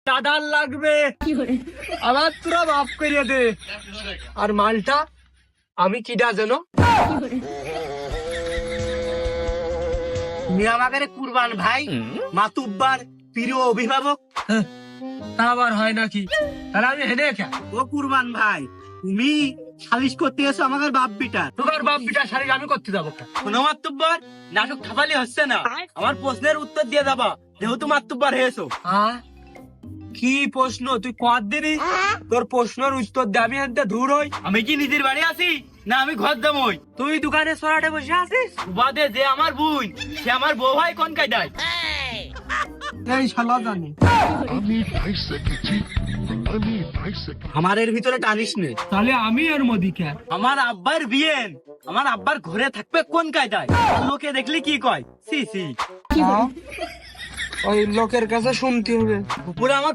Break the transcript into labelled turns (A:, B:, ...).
A: দাদার লাগবে, আমার তোরা মাফ করিয়ে দে। আর মালটা আমি কিডা জানো? তুমি আমাকে কুরবান ভাই, মাতুব্বার প্রিয় অভিভাবক। তা আবার হয় নাকি? তাহলে আমি হেনে খা। ও কুরবান ভাই, তুমি সালিশ করতে এসো আমাদের বাপ বিটা। তোমার বাপ বিটা সালিশ আমি করতে যাবো? কোনো মাতুব্বার নাটক খাপালি হচ্ছে না, আমার প্রশ্নের উত্তর দিয়ে যাবা, যেহেতু মাতুব্বার হয়েছো। কি প্রশ্ন তুই কত দিনি? তোর প্রশ্নের উত্তর দে, আমি এনতে দূর হই। আমি কি নিজের বাড়ি আছি না আমি ঘর যাবই? তুই দোকানে সরাটে বসে আছিস? বাদে যে আমার বোন, সে আমার বউ ভাই কোন কায়দায়? এই শালা জানি আমার এর ভিতরে টানিস নে। তাহলে আমি এর মধ্যে কে? আমার আব্বার বিয়ে, আমার আব্বার ঘরে থাকবে কোন কায়দায়? লোকে দেখলি কি কয়? সি সি, ওই লোকের কাছে শুনতে হবে। উপরে আমার